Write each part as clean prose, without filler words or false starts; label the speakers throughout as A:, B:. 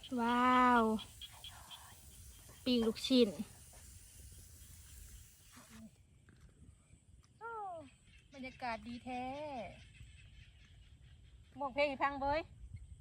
A: ว้าวปิ้งลูกชิ้นบรรยากาศดีแท้บอกเพลงให้ฟังเบย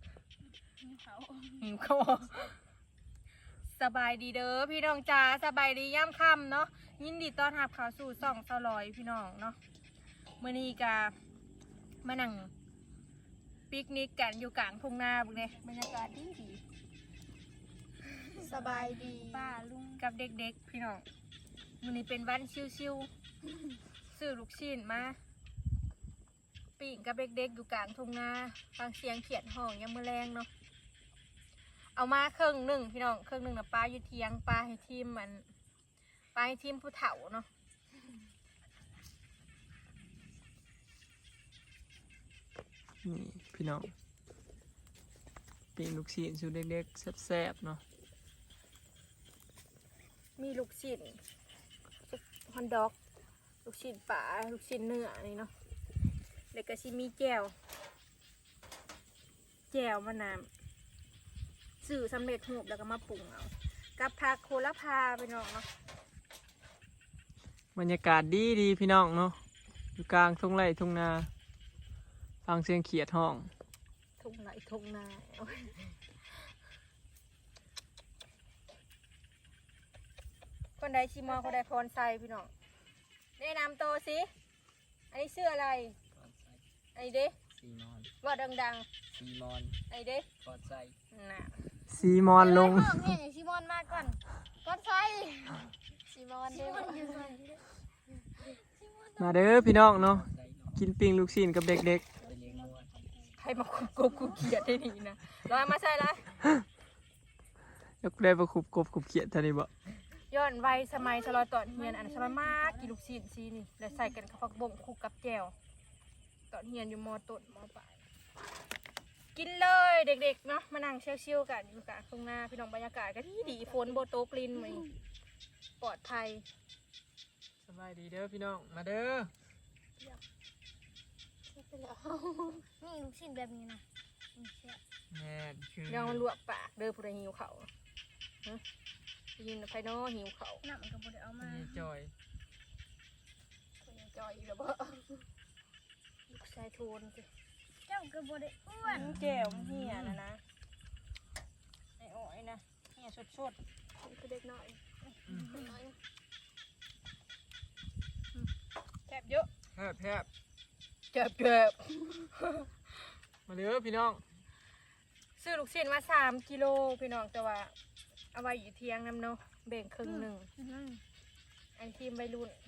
A: หิวเขาสบายดีเด้อพี่น้องจ้าสบายดีย่ำค่ำเนาะยินดีต้อนรับเข้าสู่ส่องสลอยพี่น้องเนาะมื้อนี้กามานั่งปิกนิกกันอยู่กลางทุ่งนาบุกเนี่ยบรรยากาศดีดี
B: สบายดี
A: ป้าลุงกับเด็กๆพี่น้องมื้อนี้เป็นวันชิวๆซื้อลูกชิ้นมาปิ้งกับเด็กๆอยู่กลางทุ่งนาฟังเสียงเขียดห้องยังมื้อแรงเนาะเอามาครึ่งหนึ่งพี่น้องครึ่งหนึ่งนะปลาอยู่เทียงปลาให้ทีมมันปลาให้ทีมผู้เฒ่าเนาะ
C: นี่พี่น้องปิ้งลูกชิ้นสูตรเล็กๆแซ่บๆเนาะ
A: มีลูกชิ้นฮอนด็อกลูกชิ้นปลาลูกชิ้นเนื้อนี่เนาะแล้วก็ชิมีแจ่วมะนาวสื่อสำเร็จรูปแล้วก็มาปรุงเอากับผักโหระพาไปน้องเนาะ
C: บรรยากาศดีพี่น้องเนาะอยู่กลางทุ่งไร่ทุ่งนาฟังเสียงเขียดห้อง
A: ทุ่งไหนทุ่งนาคนใดชิมอคนใดพรไซพี่น้องแนะนำตัวสิอันนี้ชื่ออะไรไอ้เด้
D: ซีมอน
A: ว่าดัง
D: ซีมอน
A: ๆไอ้เด้
D: กอดใจ
A: น่ะ
C: ซีมอนลง
B: ซีมอนมาก่อนก้อนไฟซีมอนเด้อ
C: มาเด้อพี่น้องเนาะกินปิ้งลูกชิ้นกับเด็ก
D: ไปเลี้ยงวัว
A: ใครมาคุบกบคุบเขียดได้นี่นะลอยมาใส่ละ
C: ๆยกได้ประคุบกบขุบเขียดท่านี้บ่
A: ย้อนวัยสมัยชะลอตอนเฮียนอันสมัยมากกินลูกชิ้นซีนี่แล้วใส่กันกับผักบงคลุกกับแจ่วตอนเฮียนอยู่ม.ต้นม.ปลายกินเลยเด็กๆเนาะมานั่งเชี่ยวๆกันอยู่กลางทุ่งนาพี่น้องบรรยากาศก็ดีฝนโบโตกลินไหมปลอดภัย
C: สบายดีเด้อพี่น้องมาเด้อ
B: นี่ลูกชิ้นแบบนี้นะ
C: แม่คือ
A: ลองลวกปากเด้อผู้ใดหิวเขาฮะยินไฟโน่หิวเขา
B: น้ำมันก็บ่ได้เอามา
C: มีจอย
A: คนยังจอยอยู่แล้วบ่ลูกชายโทนสิ
B: เจ้าก็บ่ได้อ้วน
A: แจ่วมันเฮียนะไอ้อ้อยนะเฮียสดๆคือเด็กน้อยแคบเยอะ
C: แทบ
A: แคบ
C: มาเด้อพี่น้อง
A: ซื้อลูกชิ้นมา3 กิโลพี่น้องแต่ว่าเอาไว้อยู่เที่ยงน้ำเนาะแบ่งครึ่งหนึ่งไอทีมวัยรุ่น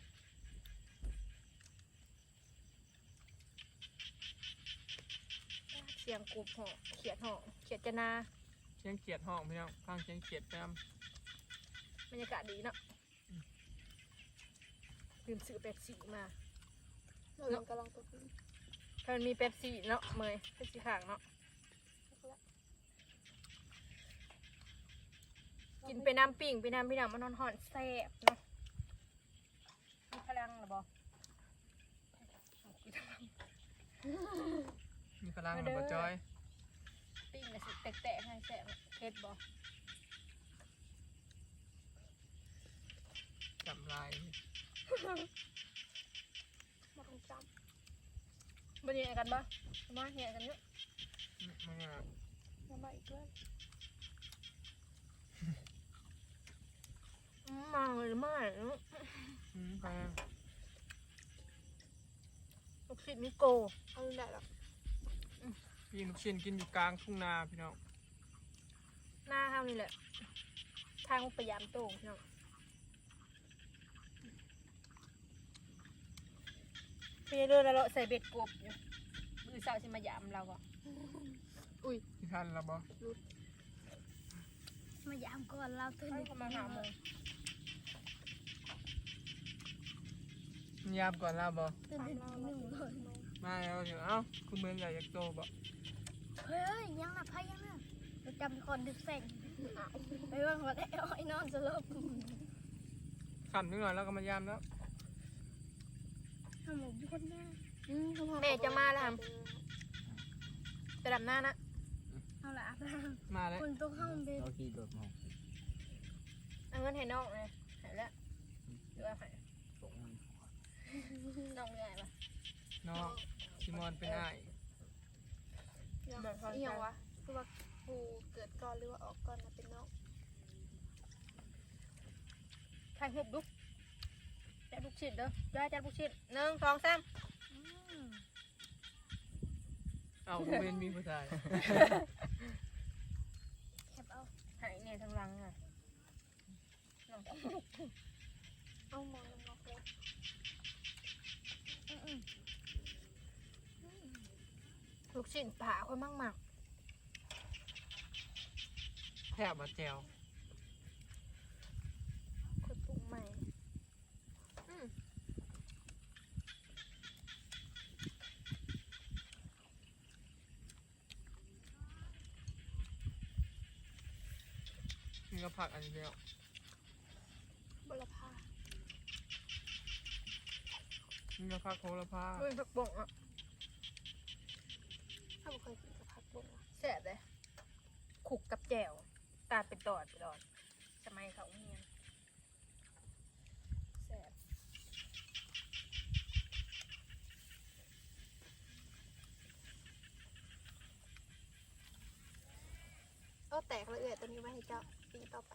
A: เสียงกรุบห่อเขียดจะนา
C: เสียงเขียดห้องพี่น้องฟังเสียงเขียดแปม
A: บรรยากาศดีเนาะลืมซื้อเป๊ปซี่มาเนาะถ้ามันมีเป๊ปซี่เนาะเมย์เป๊ปซี่ห่างเนาะกินไปน้ำปิ่งไปน้ำพี่น้ำมันหอนแซ่บเนาะมีพลังหรอบอ
C: มีพลังหรือบ่จอย
A: ปิ้งนะสิแตะๆให้แซ่บเผ็ดบอ
C: จำลาย
A: มาคงจำบันยังกันบ่มาเหี่ยกันเยอะ
C: มันอ่ะ
A: มาอีกด้วยมาเลยมาเลย
C: ไป
A: ลูกศิษย์มิโกเอาได้หรอ
C: ปิ้งลูกชิ้นกินอยู่กลางทุ่งนาพี่น้อง
A: หน้าเท่านี้แหละทางพยายามโต่งพี่น้องพี่เรื่องแล้วเราใส่เบ็ดกบอยู่มือสาวสิมายามเราก็อุ้ย
C: ที่ทันแล้วบ่
B: มายามก่อนเราตื่น
A: ประมาณ5 โมง
C: ยามก่อนแล้วบ่
B: ตื่น1 เลย
C: มาแล้วเดี๋ยวเอ้าคุณเมืองใหญ่ยักษ์โตบ่
B: เฮ้ยยังน่ะพายังน่ะเราจำคนดึกแสงไปว่าเขาได้อ้อยนอนสลบ
C: ขำนิดหน่อยแล้วก็มายามแล้ว
B: ทำหมูคนหน้า
A: แม่จะมาแล้วครับจะดำหน้านะ
B: เอาละ
C: มาแล้ว
B: คนต้องเข้าเบ็ด
D: เราขี่โดดมอง
A: เอาเงินให้น้องเลยหายแล้วหรือว่าหาย
D: ส่งมัน
A: น้องใหญ่ปะ
C: น้องซิมอนเป็นอ้าย
B: อีหยังวะคือว่ากูเกิดก่อนหรือว่าออกก่อนนะเป็นน้อง
A: ถ่ายหุบดุจัดลูกชิ้นเด้อจัดลูกชิ้น1 2 3
C: เอาบ่เป็นมีผู้ชาย
B: แคบเอา
A: หายเนี่ยทั้งหลังอ่ะน้อง
B: เอามองลงเลย
A: ลูกชิ้นผ่าคนมาก
C: แทบมาแจว
A: ๆคนปรุงใหม่อืม
C: นี่ก็ผักอันนี้แล้ว
B: บลพา
C: นี่ก็ผักโหระพา
A: ด้วยผักบ่งอ่ะ
B: ถ้าบ่เคยกินกับผักบุ้งอะ
A: แซ่บเลยขุกกับแจ่วตาดเป็นตอดสมัยเขาเฮียนแซ่บ
B: แตกละเอียดตัวนี้ไว้ให้เจ้าปีต่อไป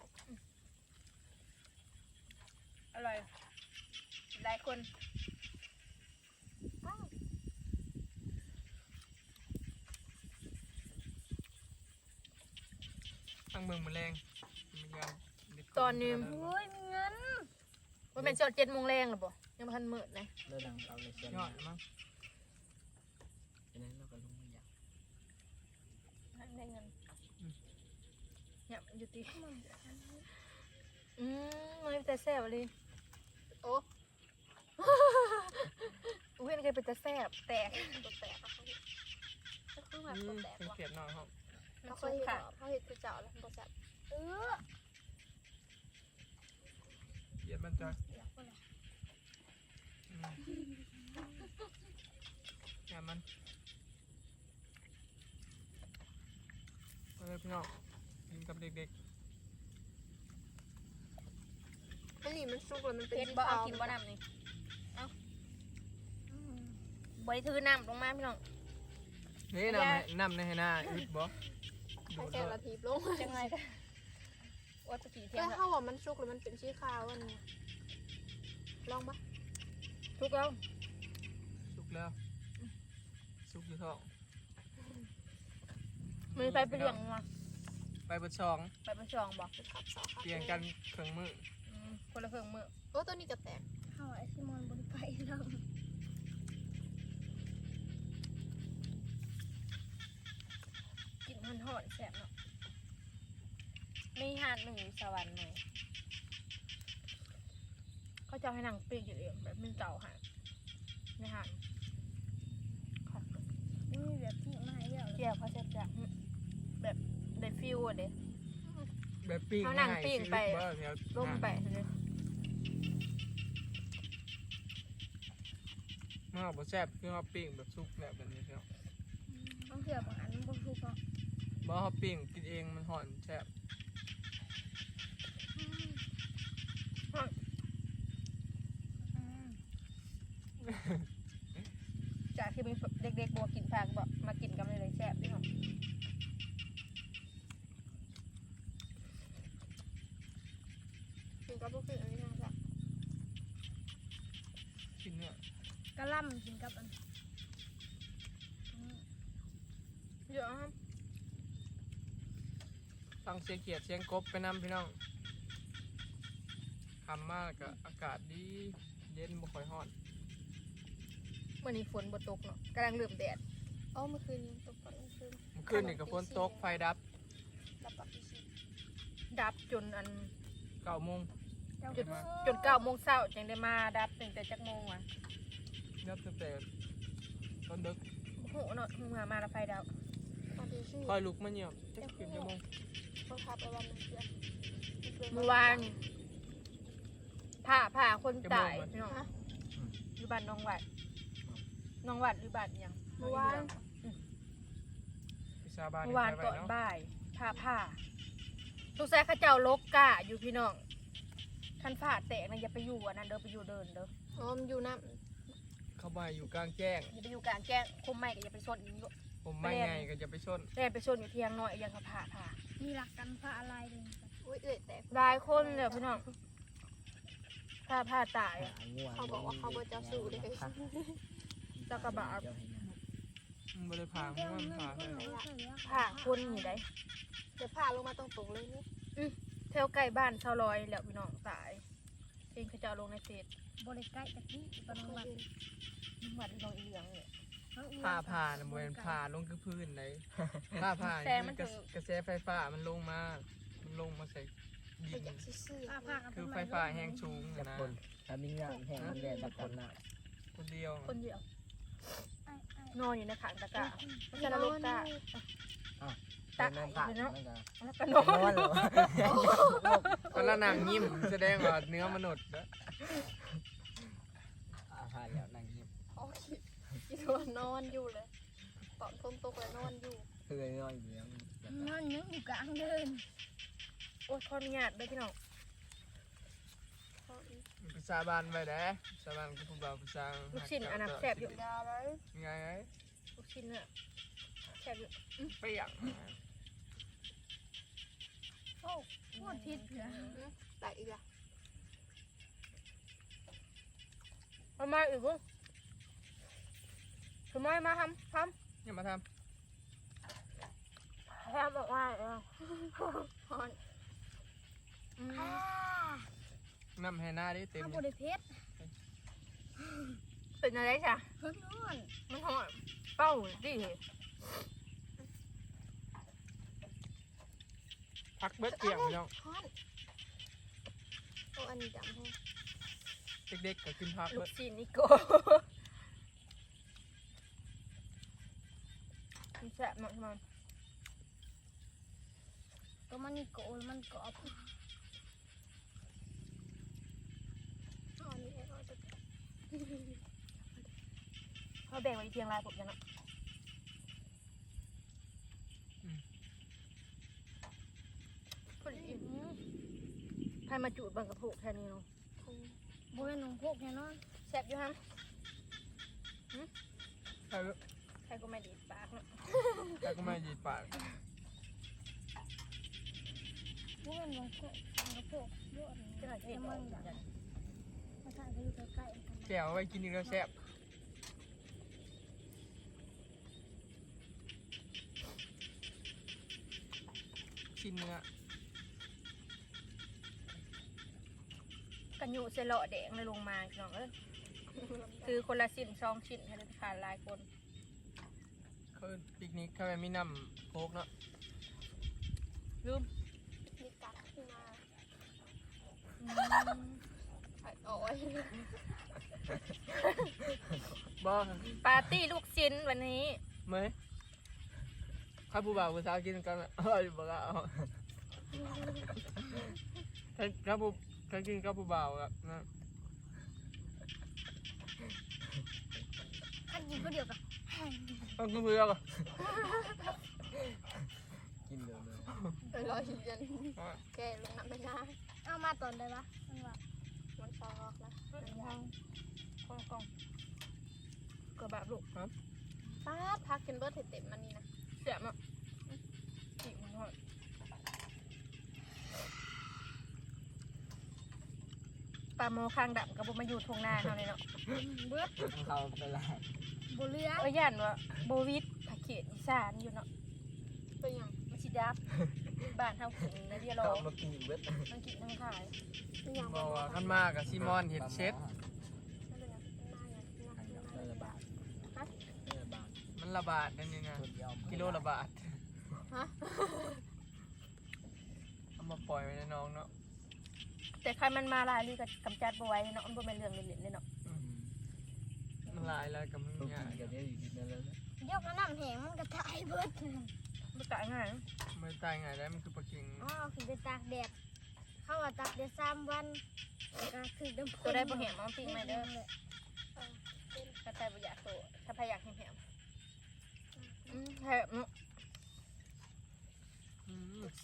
A: อร่อยหลายคน
C: ตั้งเมืองมือแรงมีงานเด็ด
A: ตอนนี้
B: โอ้ยมีเงิน
A: มันเป็นจอด7 โมงแรงหรอปะยังไม่ทันมืดนะ
D: เลิกดังเอาเลยเสีย
C: ยอดมั้ง
D: ฉะนั้นเราก็ลงไม่อยาก
A: ได้เงินเนี่ยมันอยู่ที่มันเป็นแต่แซ่บเลย
B: โอ้
A: อุ้ยมันเคยเป็นแต่แซ่บแตก
B: ตัวแตกอะเขาเห็นก็คือแบบ
C: นี่
B: ตัวแตก
C: เป็น
B: ว่ะ
C: เขียดน้องครับ
A: มัน
B: เขาเค
A: สุ
B: ย
A: ก
B: เห็น
A: ค่ะ
B: เหรอเขาเห็นคือเจ้าแล้วตัวแตก
C: เขียดมันจะ
B: อยากพูดอะไร
C: อย่ามันมาเลยพี่น้องกินกับเด็ก
B: อันนี้มันสุกแล้วมันเป็น
A: เพชรบ่เอากินบ่น้ำนี่เอาบริถือน้ำลงมาพี่น้อง
C: ๆนี่น้ำในให้หน้าอึดบ่
B: ใช้แค่ละทีลง
A: จังไงกันว่าจะกี่เที่ย
B: แล้
A: ง
B: ว
A: แล้ว
B: เขาบอกมันสุกแล้วมันเป็นชีขาวอันนี้ลองปะ
A: ทุกแล้ว
C: สุกแล้วสุกอยู่ท้อง
A: มือไปเปลี่ยงมา
C: ไปเบดช่อง
A: ไปเป็นช่องบอก
B: ขับสาวขับ
C: เปลี่ยนกันเครื่องมือ
A: คนละเครื่องมือ
B: โอ้ตัวนี้ก็แตกเขาไอซิมอนบนไปแล้ว
A: กินหอนๆแซ่บเนาะมีหาดหนึ่งอยู่สวรรค์ไหมเขาจะให้นางปีกอยู่เองแบบมันเก่าหาดในหาดค่ะ
B: นี่แบบที่มาให้แล้ว
A: เกี่ยวเขาจะแบบได้ฟิวอะเด้
C: แบบปิ้ง
A: เขานั่งปิ้งไป
C: สิอึดบ่แถว
A: ล่มไปเลย
C: เมื่อบ่แซ่บคือเขาปิ้งแบบสุกแบบนี้ครับ
B: ต้องเสือบางอันบนสุกเนาะ
C: บ่เขาปิ้งกินเองมันหอนแซ่บ
A: จากที่มีเด็กๆบอกกินผักบอกมากินกันเลยแซ่บพี่น้อง
B: กินกับพวกคืออันนี้นะจ๊ะ
C: กินเนี่ย
B: กะล่ำกินกับอัน
A: เยอะครับ
C: ฟังเสียงเขียดเสียงกบไปนำพี่น้องคำมากก็อากาศดีเย็นบ่ค่อยร้อน
A: เมื่อนี้ฝนบ่ตกเนาะกำลังเริ่มแดด
B: อ๋อเมื่อคืนนี้ตกก่อนเมื่อคืน
C: เมื่อคืนนี่ก็ฝนตกไฟดับ
B: รับปากพี่ชิ
A: ดับจนอัน
C: 9 โมง
B: เจ้า
A: จนจน9 โมงเช้าจึงได้มาดับตั้งแต่จักโมงอ่ะ
C: ดับตั้งแต่ตอนดึก
A: โอ้โหเนาะมาแล้วไฟดับ
B: ตอนที่ชื่อ
C: คอยลุกมาเหี่ยวจะกินชั่วโมง
B: เขาขับไปวันนึงเพื่อน
A: เมื่อวานนี่ผ่าคนตายพี่น้อง
B: ฮะ
A: อยู่บ้านน้องหวัดหรือบ้านอิหยัง
B: เมื่อวาน
C: ไปชาวบ้าน
A: เมื่อวานก่อน
C: เนาะ
A: บ่ายผ้าทุกแซ่ข้าเจ้าลกกะอยู่พี่น้องคันฝ้าแตกนะอย่าไปอยู่อันนั้นเด้อไปอยู่เดินเด้อ
B: อ๋อมอยู่น้
C: เข้ามาอยู่กลางแจ้ง
A: อย่าไปอยู่กลางแจ้งคมไม่ก็อย่าไปชนอีก
C: ผมไม่ไงก็จะไปชน
A: เล่นไปชนอยู่เทียงน้อยยังเขาผ่า
B: ำมีหลักกันพระอะไรเลยอุ้ยแตก
A: หลายคนเลยพี่น้องผ้าตายอะ
B: เขาบอกว่าเขาบ่เจ้าสู้เลย
A: เจ้ากระบะ
C: มันบ่ได้พามันพาเลย
A: ผ่าคนอยู่ได้
B: เดี๋ยวพาลงมาตรงๆเลยนี่
A: แถวใกล้บ้านชาวลอยแล้วพี่น้องตายเองเขาจะเอาลงในเฟซ
B: บริใกล้จากที่ปนวัด
A: วัดน้องอีเหลืองเนี่ย
C: ผ้าน่ะบ่แม่นผ้าลงคือพื้นเลยผ้า
A: แสงมัน
C: ก
A: ถึง
C: ระแสไฟฟ้ามันลงมาใส่ดิน
B: ซื่อ
C: คือไฟฟ้าแห้งสูง
D: จับ
C: นะ
D: คนถ้ามีงานแห่งมันแดดจับคนน่ะ
C: คนเดียว
A: คนเดียว นอนอยู่ในขังตะกร้าไม่ใช่นรกตา
D: ตาน้ำตาล
A: แล้ว
D: มัน
A: ก็น
D: ก็
A: อน
D: นอนเหรอ
C: ก็ละนางยิ้มแสดงว่าเนื้อมนุษย์นะ
D: ผ่านแล้วนั่งยิ้ม
B: โอ้ยคิดว่านอนอยู่เลยตอนฝนตกแล้วนอนอยู่
D: เคยนอนอยู่แล้ว
B: นอนยังอยู่กลางเดิน
A: โอ้ยขออนุญาตด้วยพี่น้อง
C: ภาษาบ้านไว้เด้ภาษาบ้านก็ผู้บ่าวผู้สาว
A: ลูกชิ้นอันนั้นแสบอยู่
B: ยาเลย
C: ไง
A: ลูกชิ้นเนี่ยแสบอยู่
C: เปียก
B: โอ้พูดผิดเหรอแต่อีกอ่ะ
A: ทำไมอีกลูกทำไมมาทำ
C: อย่ามาท
A: แอบบอกว่าเออ
B: ฮอน
C: ำน้ำให้หน้าได้เต็ม
B: ถ้า
C: เล
B: บ
C: ย
B: ริเพชร
A: เป็นอะไรจ้ะ
B: เพิ่นนอน
A: มันหอดเป้าดิ
C: พักเบิดเกี่ยงพี่น้อง
B: ฮอนโอ้อันนี้จำให้
C: เด็กๆก็ขึ้นพัก
A: ลู
C: เบิ
A: ก
C: ด
A: ชิ้นนี่โกมันแสบมากมัน
B: ก็มันนี่โกนมันกรอบอันนี้เราจะ
A: เขาแบ่งไว้เพียงลายผมยังเนาะคนอิ่มใครมาจูดบังกระโถกแค่นี้เนาะ
B: บริเวณหนองพวกเนี่ยเนาะ
A: แสบอยู่ฮะ
C: ใช่เบิด
A: ใครก็ไม่ดีดปากเนาะ
C: แต่ก็ไม่ยีดปาก
B: บริเวณหนองพวกเยอะ
A: จะหน่อยจะเห็นมันอย่างนั้น
B: มาถ่ายไปอยู่ใกล้ๆกัน
C: แก้วเอาไว้กินอีกแล้วแซ่บชิ้นเนื้อ
A: กันอยู่เซลล์แดงเลยลงมาพี่น้องเอ้ยคือคนละชิ้น2 ชิ้นให้ได้ทานหลายคน
C: เขาปิกนิกเข้าไปมีน้ำโค้กเนาะ
A: ลืม
B: มีกัดขึ้นมา
A: อืม
B: โอ้ย
C: บ้า
A: ปาร์ตี้ลูกชิ้นวันนี้
C: ไหมข้าผู้บ่าวผู้สาวกินกันอะบอกเอาถ้ากินข้าผู้บ่าวอะนะ
B: อันนี้ก็เดียวกัน
C: ต้องกินเพื่อนอะ
D: กินเร็วเลย
B: รอเย็นแกลงน้ำไปนะเอามาตอนได้ปะมันว่ามันซอกแล้ว
A: กองกระบะลูก
B: ป้าพักกินเบิร์ดเต็มมันนี่นะ
A: เสียบอ่ะอีกมันหอดปลาโมคางดำกับบุมาอยู่ทงนาเขาเลยเนาะ
B: เบิร์ด
D: เขาเป็นไร
B: บุเรือ
A: เอ้ยยันว่าโบวิดผักเขียดอีสานอยู่เนาะ
B: เป็นยัง
A: มันชิดับบ้านเท่าขิงนะเดียรอ
D: เขามากินเวท
A: มันกินทั้งขาย
B: เป็นยัง
C: บอกว่าขันมากกับซิมอนเห็ดเช็ด
D: ระบาดระบาด
C: มันระบาดนั่นนี่นะ
D: คนเดียว
C: กิโลละบาท
B: ฮะ
C: เอามาปล่อยไว้ในน้องเนาะ
A: แต่ใครมันมาลายลีกับกำจัดบไว้เนาะมันบ่เป็นเรื่องเล่นๆเลยเนาะ
C: มันลายแล้วกับมัน
D: ต้อง
C: ง่าย
D: กินกันได้อยู่ดีนั่นแล้วนะ
B: ยกน้ำแห้งมันก็ตายเบิร์ด
A: มันตายง่าย
C: มันตายง่ายได้มันคือปลาเค็ง
B: อ๋อคือไปตากแดดเข้าว่าตากแดด3 วันก็คือดำ
A: ตัวได้บ่แหมเอาปิ้งมาเด้อถ้าใครบ่อยากโตถ้าใครอยากแหมแหมเนาะ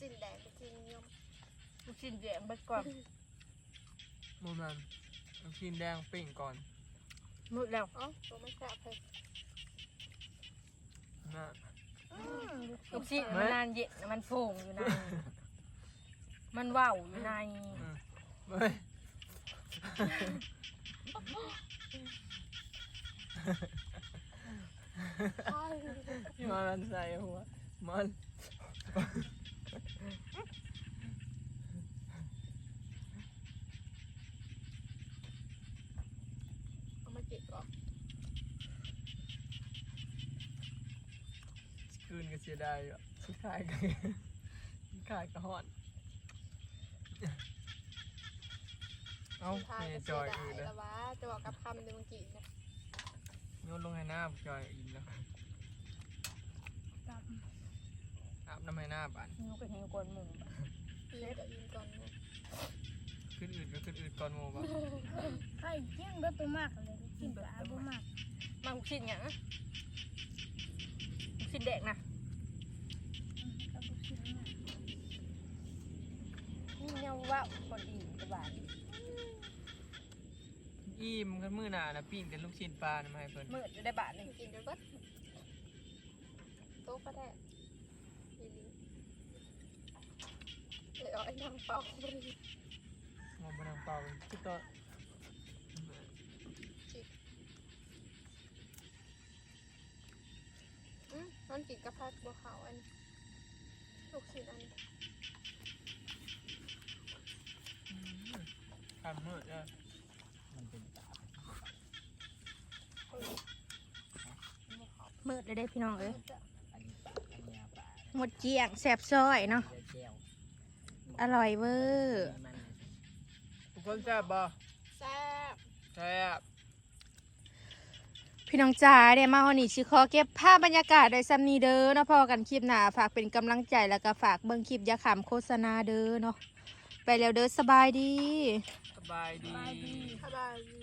B: สิ้นแดงลูกชิ้นยม
A: ลูกชิ้นแดงไปก่อน
C: โมมันลูกชิ้นแดงปิ้งก่อน
A: มืดแล้ว
B: เอ้าตัวไม่กล้าเพล
C: นะ
A: ลูกชิ้นมันนานเย็นมันโป่งอยู่ในมันว่าวอยู่ใน
C: เฮ้ยมันใส่หัวมัน
B: เอามาจิกก่อน
C: คืนก็เสียดายอ่ะสุดท้ายก็ขายกระหอนเอ้า
B: ทาง
C: เม
B: ก็
C: ย์
B: เสี
C: จ
B: ย
C: อย
B: ดาย
C: อื่นแล้ว
B: แล้ววะจะบอกกับคำเดี๋ยวเมื่อกี้นะ
C: โยนลงให้หน้าจอยอื่นแล้วอาบน้ำให้หน้าบ้าน
A: นิ้วก็นิ้วกวนหมู
B: ปีนกับอินก่อนนะ
C: ขึ้นอื่นก็ขึ้นอื่นก่อนโมบ้า
B: ไข่เจียงเบิดตัวมากเลยกินปลาบ่มาก
A: มาลูกชิ้นอย่างนะลูกชิ้นแดงนะ
B: กับลูกชิ้นน่ะ
A: นี่เนี่ยว่าวคนดีกระบาด
C: อิ่มกันมื้อหน้านะปิ้งแต่ลูกชิ้นปลานะมาให้เพิ่น
A: มืดอยู่ได้บาทหนึ่ง
B: กินเดี๋ยวเบิดโต๊ะก็ได้อีหลีเลยเอาไอ้นางเป่าไปเลย
C: มองไปทางเปล่าคือต่อ
B: มันกินกับผัดบัวขาวอันนี้ลูกชิ้นอันนี้
C: ทำมื้อจ้ะ
D: มันเป็นตา
A: มืดเลยได้พี่น้องเอ้ย
D: อันนี้ปลาอันนี้ปลา
A: หมดเจียงแสบซอยเนาะ
D: แก้ว
A: อร่อยเวอร์
D: มัน
C: ทุกคนแซ่บบ่
B: แซ่บ
C: แซ่บ
A: พี่น้องจ๋าเดี๋ยวมาฮอนี่สิขอเก็บภาพบรรยากาศโดยซัมนีเด้อเนาะพอกันคลิปหน้าฝากเป็นกำลังใจแล้วก็ฝากเบิ่งคลิปอยาขำโฆษณาเด้อเนาะไปแล้วเด้อสบายดี
C: สบายดี
B: สบายดี